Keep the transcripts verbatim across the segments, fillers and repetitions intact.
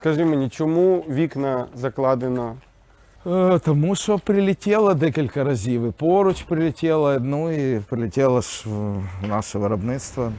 Скажи мені, чому вікна закладено? Е, Тому що прилетіло декілька разів. І поруч прилетіло, ну і прилетіло ж в наше виробництво.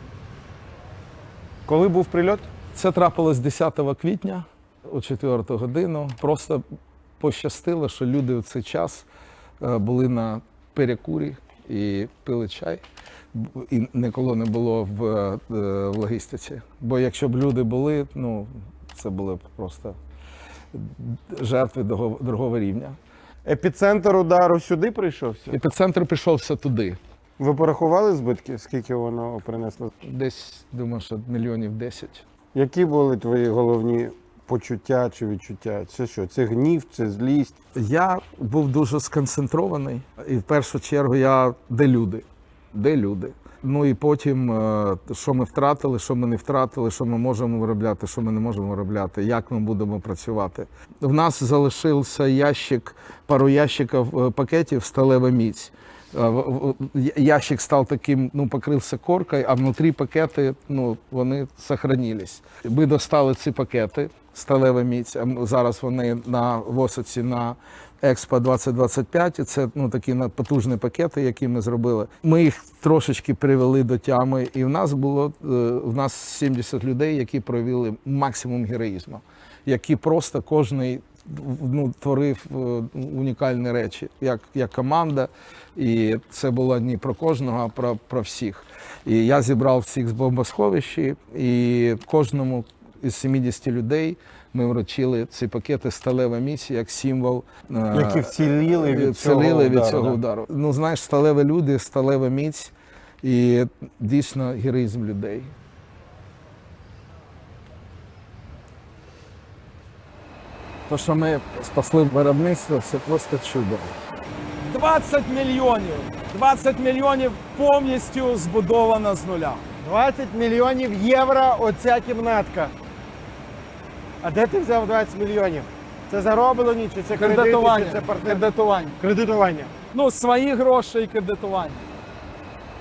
Коли був прильот? Це трапилось десятого квітня о четверту годину. Просто пощастило, що люди в цей час е, були на перекурі і пили чай. І ніколи не було в, е, в логістиці. Бо якщо б люди були, ну, це були б просто жертви другого, другого рівня. Епіцентр удару сюди прийшовся? Епіцентр прийшовся туди. Ви порахували збитки, скільки воно принесло? Десь, думаю, що мільйонів десять. Які були твої головні почуття чи відчуття? Це що? Це гнів, це злість? Я був дуже сконцентрований. І в першу чергу я де люди? Де люди? Ну і потім, е, що ми втратили, що ми не втратили, що ми можемо виробляти, що ми не можемо виробляти, як ми будемо працювати. В нас залишився ящик, пару ящиків е, пакетів сталева міць. Е, в- в- Ящик став таким, ну, покрився коркою, а внутрі пакети, ну, вони сохранились. Ми достали ці пакети, сталева міць, а м- зараз вони на Восоці на Експо двадцять двадцять п'ять, і це, ну, такі на- потужні пакети, які ми зробили. Ми їх трошечки привели до тями, і в нас було е, в нас сімдесят людей, які проявили максимум героїзму, які просто кожний, ну, творив е, унікальні речі, як, як команда. І це було не про кожного, а про, про всіх. І я зібрав всіх з бомбосховищі, і кожному із сімдесят людей ми вручили ці пакети сталева міць як символ, е, Які вціліли від цього вціліли від удару, цього да? удару. Ну, знаєш, сталеві люди, сталева міць і дійсно героїзм людей. То, що ми спасли виробництво, це просто чудо. двадцять мільйонів. двадцять мільйонів повністю збудовано з нуля. двадцять мільйонів євро оця кімнатка. А де ти взяв двадцять мільйонів? Це зароблені, чи це кредити, чи Кредитування. це партнер? Кредитування. Кредитування. Ну, свої гроші і кредитування.